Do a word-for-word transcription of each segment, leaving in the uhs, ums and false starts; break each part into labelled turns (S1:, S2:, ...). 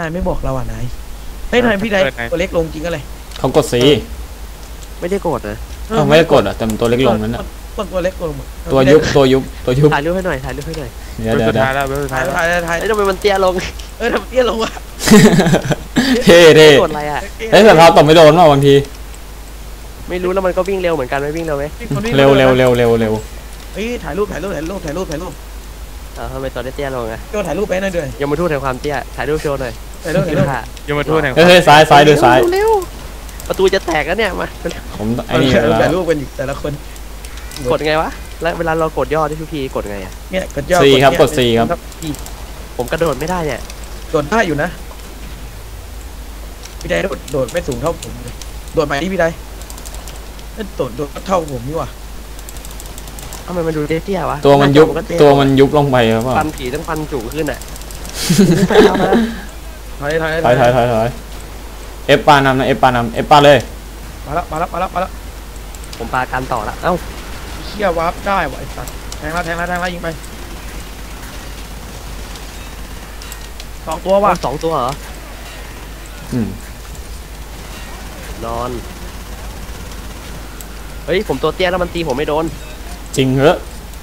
S1: นายไม่บอกเราอ่ะนายเฮ้ยนายพี่นายตัวเล็กลงจริงอะไร
S2: เขากดซี
S3: ไม่ได้กดนะ
S2: ไม่ได้กดอ่ะแต่ตัวเล็กลงนั้นอ่ะ
S1: ตัวเล็กลง
S2: ตัวยุบตัวยุบตัวยุบ
S3: ถ่ายรูปให้หน่อยถ่ายรูปให้หน่อย
S2: เดี๋ยวเดี๋ยว
S4: ถ่ายแล้วถ่าย
S1: ถ่ายถ่าย
S3: ทำไมมันเตี้ยลง
S1: เออทำเตี้ยลงวะ
S2: เท่เท่
S3: กดอะไรอ่ะ
S2: เฮ้ยแต่เราตบไม่โดนหรอบางที
S3: ไม่รู้แล้วมันก็วิ่งเร็วเหมือนกันไหมวิ่งเร็วไหม
S2: เร็วเร็วเร็วเร็วเร็ว
S1: เฮ้ยถ่ายรูปถ่ายรูปถ่ายรูปถ่ายรูปถ่ายรูป
S3: อ่าทำไมตัวเตี้ยลงอ่ะ
S1: โยถ่ายรูปไปหน่อยด้วย
S3: ยมทูตแห่งความเตี้ยถ่ายรูปโชว์หน่อย
S1: ถ่ายรูปถ่ายรูป
S4: ยมทูตแห่ง
S2: เฮ้ยซ้ายซ้ายดูซ้าย
S3: เร็วประตูจะแตกแล้วเนี่ยมา
S2: ผมไอ้นี่
S1: ถ่ายรูปกันอยู่แต่ละคน
S3: กดไงวะแล้วเวลาเรากดย่อที่ทุกทีกดไงอ่ะ
S1: เนี่ยกดย่อ
S2: สี่ครับกดสี่ครับ
S3: ผมกระโดดไม่ได้เนี่ย
S1: โดดได้อยู่นะพี่ได้โดดโดดไม่สูงเท่าผมเลยโดดใหม่ที่พี่ได้โดดโดดเท่าผมนี่ว่ะ
S3: ทำไมมันดูเตี้ยวะ
S2: ตัวมันยุบตัวมันยุบลงไปครับ
S3: ฟันผีต้องฟันจุขึ้นอ่ะ
S1: ถอยถอย
S2: ถอยถอยถอยถอยเอฟปานำนะเอฟปานำเอฟปาเลย
S1: มาแล้วมาแล้วมาแล้วมาแล้ว
S3: ผมปาการต่อละเอ้า
S1: เชี่ยวาร์ปได้ว่ะไอ้สัตว์แทงแล้วแทงแล้วแทงแล้วยิงไปสองตัวว่ะ
S3: สองตัวเหรอ
S2: อืม
S3: นอนเฮ้ยผมตัวเตี้ยแล้วมันตีผมไม่โดน
S2: จริงเหรอ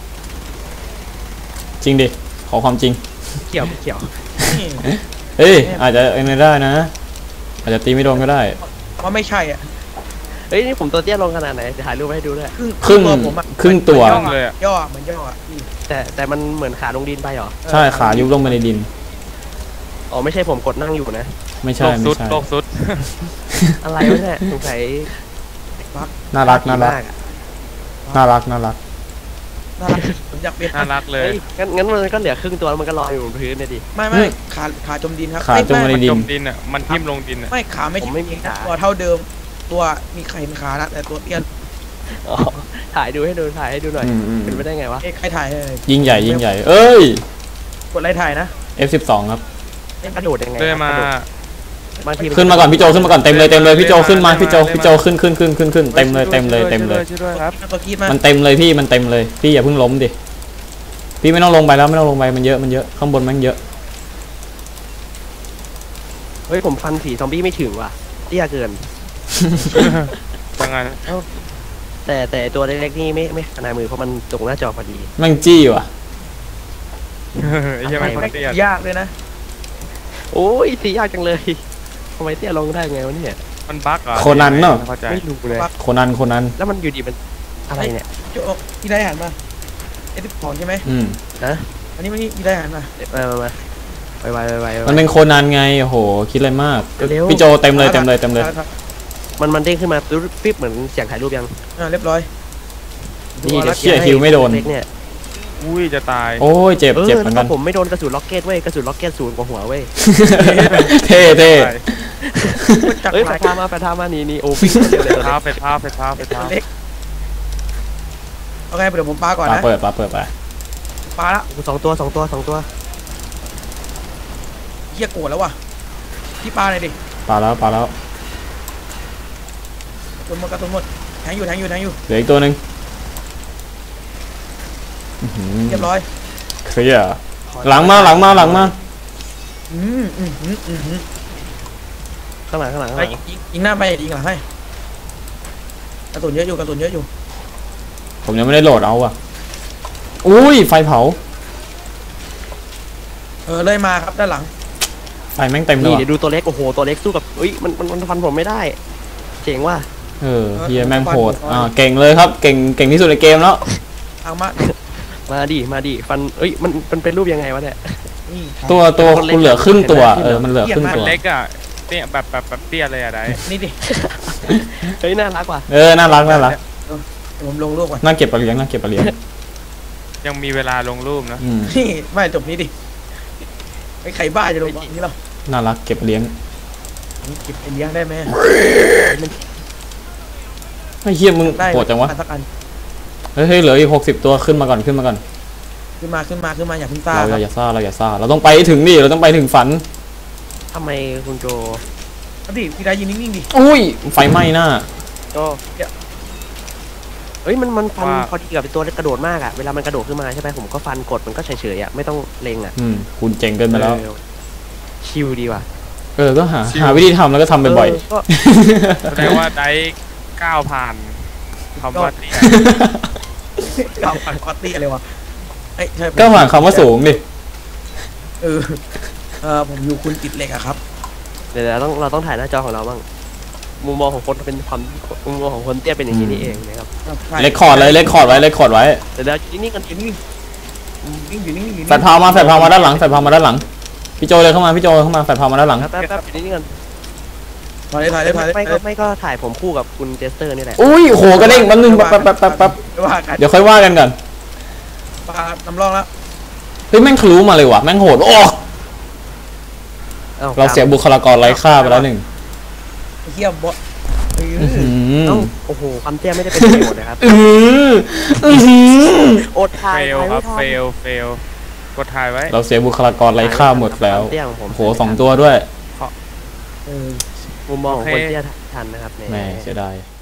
S2: จริงดิขอความจริง
S3: เขียวเขียว
S2: เฮ้ยอาจจะเอ็นได้นะอาจจะตีไม่โดนก็ได้
S1: ว่าไม่ใช่อ่ะ
S3: เฮ้ยนี่ผมตัวเตี้ยลงขนาดไหนจะถ่ายรูปให้ดูด้วย
S2: ครึ่งครึ่งตัว
S1: เลยย่อเหมือนย่อ
S3: แต่แต่มันเหมือนขาลงดินไปหรอ
S2: ใช่ขายุบลงไปในดิน
S3: อ๋อไม่ใช่ผมกดนั่งอยู่นะ
S2: ไม่ใช่ไม่ใช่
S4: โลกสุด
S3: อะไรวะเนี่ยสงสัย
S2: น่ารักน่ารักน่ารักน่ารัก
S1: น่ารักผมอยากเป็น
S4: น่ารักเลย
S3: งั้นงั้นมันก็เหลือครึ่งตัวแล้วมันก็ลอยอยู่บนพื้นเนี่ยดิ
S1: ไม่ไม่ขาขาจมดินครับ
S2: ขาจมในดิน
S4: จมดินอ่ะมันทิ่มลงดินอ่ะ
S1: ไม่ขาไม่
S3: ไม่มีขา
S1: ตัวเท่าเดิมตัวมีใครเห็นขานะแต่ตัวเตี้ย
S3: ถ่ายดูให้ดูถ่ายให้ดูหน่อยเป็นไปได้ไงวะ
S1: ใครถ่าย
S2: ยิ่งใหญ่ยิ่งใหญ่เอ้ย
S1: กดอะไรถ่ายนะ
S2: เอฟ สิบสอง ครับ
S3: กระโดดยังไง
S4: เลยมา
S2: ขึ้นมาก่อนพี่โจขึ้นมาก่อนเต็มเลยเต็มเลยพี่โจขึ้นมาพี่โจพี่โจขึ้นขึ้นขึ้นขึ้นขึ้นเต็มเลยเต็มเลยเต็มเลยมันเต็มเลยพี่มันเต็มเลยพี่อย่าเพิ่งล้มดิพี่ไม่ต้องลงไปแล้วไม่ต้องลงไปมันเยอะมันเยอะข้างบนมันเยอะ
S3: เฮ้ยผมฟันผีซอมบี้ไม่ถึงว่ะเตี้ยเกิน
S4: ยังไง
S3: แต่แต่ตัวเล็กๆนี่ไม่ไม่ขนาดมือเพราะมันตรงหน้าจอพอดี
S2: มันจี้ว่ะ
S4: ยังไม่เตี้ย
S1: ยากเลยนะ
S3: โอ้ยสียากจังเลยทำไมเตี้ยลงได้ไงวะเนี่ย
S4: มันบั๊กเหรอ
S2: โคนันเนาะ
S3: ไม่รู้เลย
S2: โคนันโคนัน
S3: แล้วมันอยู่ดีมันอะไรเนี่ย
S1: พี่ได้หันมาเอ็ดผ่อนใช่ไหม
S2: อืม
S3: นะ
S1: อันนี้มันนี่พี่ได้หันมา
S3: มามามาไปไปไปไป
S2: มันเป็นโคนันไงโอ้โหคิดอะไรมากพี่โจเต็มเลยเต็มเลยเต็มเลย
S3: มันมันเด้งขึ้นมาปิ๊บเหมือนเสียงถ่ายรูปยัง
S1: อ่าเรียบร้อย
S2: นี่เชี่ยคิวไม่โดน
S3: เนี่ย
S4: อุ้ยจะตาย
S2: โอ้ยเจ็บเจ็บเหมือนกัน
S3: ผมไม่โดนกระสุนล็อกเก็ตเว้ยกระสุนล็อกเก็ตศูนย์กว่าหัวเว้ย
S2: เท่เท่
S3: เฮ้ยไปทามาไปทามานี่นี่โอ้ฟิก
S4: เลยเท้าไปเท้าไปเท้าไปเท้า
S1: โอเคเดี๋ยวผมปาก่อนนะ
S2: เปิดปาเปิดไป
S1: ปาละ
S3: สองตัวสองตัวสองตัว
S1: เฮียโกรธแล้วว่ะพี่ปาเลยดิ
S2: ปาแล้วปาแล้ว
S1: กระสุนหมดกระสุนหมดแทงอยู่แทงอยู่แทงอยู่
S2: เหลืออีกตัวหนึ่ง
S1: เรียบร้อย
S2: เคลียร์หลังมาหลังมาหลังมา
S1: อืมอืมอืมอืม
S3: ข้างหลังข้างหลัง
S1: ไปยิงหน้าไปยิงหลังให้กระสุนเยอะอยู่กระสุนเยอะอยู่
S2: ผมยังไม่ได้โหลดเอาอ่ะอุ้ยไฟเผา
S1: เออเลยมาครับด้านหลัง
S2: ไฟแม่งเต็มเลย
S3: นี่เดี๋ยวดูตัวเล็กโอ้โหตัวเล็กสู้กับเฮ้ยมันมันมันฟันผมไม่ได้เจ๋งว่ะ
S2: เออเฮียแม่งโหดอ่าเก่งเลยครับเก่งเก่งที่สุดในเกมแล้ว
S1: เอามา
S3: มาดิมาดิฟันเอ้ยมันมันเป็นรูปยังไงวะเนี่ย
S2: ตัวตัวคุณเหลือครึ่งตัวเออมันเหลือครึ่งตัว
S4: เล็กอ่ะเตี้ยแบบแบบแบบเตี้ยเลยอะได้
S1: นี่ดิ
S3: เฮ้ยน่ารักว่ะ
S2: เออน่ารักน่ารัก
S1: ผมลงรูปก่อน
S2: น่าเก็บปลาเลี้ยงน่าเก็บปลาเลี้ยง
S4: ยังมีเวลาลงรูปนะ
S1: นี่ไม่จบนี้ดิไอ้ไข่บ้าจะลงนี้หรอ
S2: น่ารักเก็บเลี้ยง
S1: เก็บเลี้ยงได้ไหม
S2: ไม่เฮี้ยมึงโหดจังวะเฮ้ยเหลืออีกหกสิบตัวขึ้นมาก่อนขึ้นมาก่อน
S1: ขึ้นมาขึ้นมาขึ้นมาอย่าพึ่งซ่า
S2: เราอย่าซ่าเราอย่าซ่าเราต้องไปถึงนี่เราต้องไปถึงฝัน
S3: ทำไมคุณโจ
S1: ดิพี่ได้ยินนิ่งๆดิ
S2: อุ้ยไฟไหม้หน้า
S3: ก็เฮ้ยมันมันฟันพอดีกับเป็นตัวกระโดดมากอ่ะเวลามันกระโดดขึ้นมาใช่ไหมผมก็ฟันกดมันก็เฉยๆอ่ะไม่ต้องเล็งอ่ะ
S2: อืมคุณเจ๋งเกินไปแล้ว
S3: ชิลดีว่ะ
S2: เออก็หาหาวิธีทำแล้วก็ทำบ่อย
S3: ก็
S4: แสดงว่าได้ก้าวผ่านคำว่าเตี้ย
S1: ก้าวผ่านคอตตี้อะไรวะเอ้ยใช่ผม
S2: ๆก็ผ่านคำว่าสูงดิ
S1: เออเออผมอยู่คุณติดเหล็กอะครับ
S3: เดี๋ยวเราต้องเราต้องถ่ายหน้าจอของเราบ้างมุมมองของคนเป็นความมุมมองของคนเตี้ยเป็นอย่างนี้นี่เองนะครับ
S2: เลคคอร์ดเลยเลคคอร์ดไว้เลคคอร์ดไว้
S3: เดี๋ยวเรานี่กัน
S1: อยู่นี่นิ่งอยู่นี่อยู่นี่
S2: แฟดพาวมาแฟดพาวมาด้านหลังแฟดพาวมาด้านหลังพี่โจเลยเข้ามาพี่โจเข้ามาแฟดพาวมาด้านหลัง
S3: แป๊บแป๊บอยู่นี่กัน
S1: ถ่ายเลยถ่ายเลยถ่ายเลย
S3: ไม่ก็ไม่ก็ถ่ายผมคู่กับคุณเจสเตอร์นี่แหละ
S2: อุ้ยโหกระเด้งแป๊บนึงแป๊บแป๊บแป๊บแป๊บแป๊บ
S1: ไม่ว่ากัน
S2: เดี๋ยวค่อยว่ากันก่อน
S1: ปลาน้ำร่องแล้ว
S2: เฮ้ยแม่งทะลุมาเลยว่ะแม่งโหดโอ้
S3: อ้
S2: เราเสียบุคลากรไร้ค่าไปแล้วหนึ่ง
S1: เฮียบอสเออ
S2: อื้อหือ
S3: เอ้าโอ้โหความเตี้ยไม่ได้เป็นประโยชน์นะครับ
S2: อื้อหืออื้อหือ
S3: อดถ่าย
S4: เฟล
S3: ถ่าย
S4: ค
S3: ไม่
S4: รับ
S3: ทัน
S4: เฟลเฟลกดถ่ายไว้
S2: เราเสียบุคลากรไร้ค่าหมดแล้ว
S3: ความเตี้ยของผม
S2: โหสองตัวด้วย
S1: เออ
S3: มุมมองของคนเตี้ยทันนะครับ
S2: แม่เสียดาย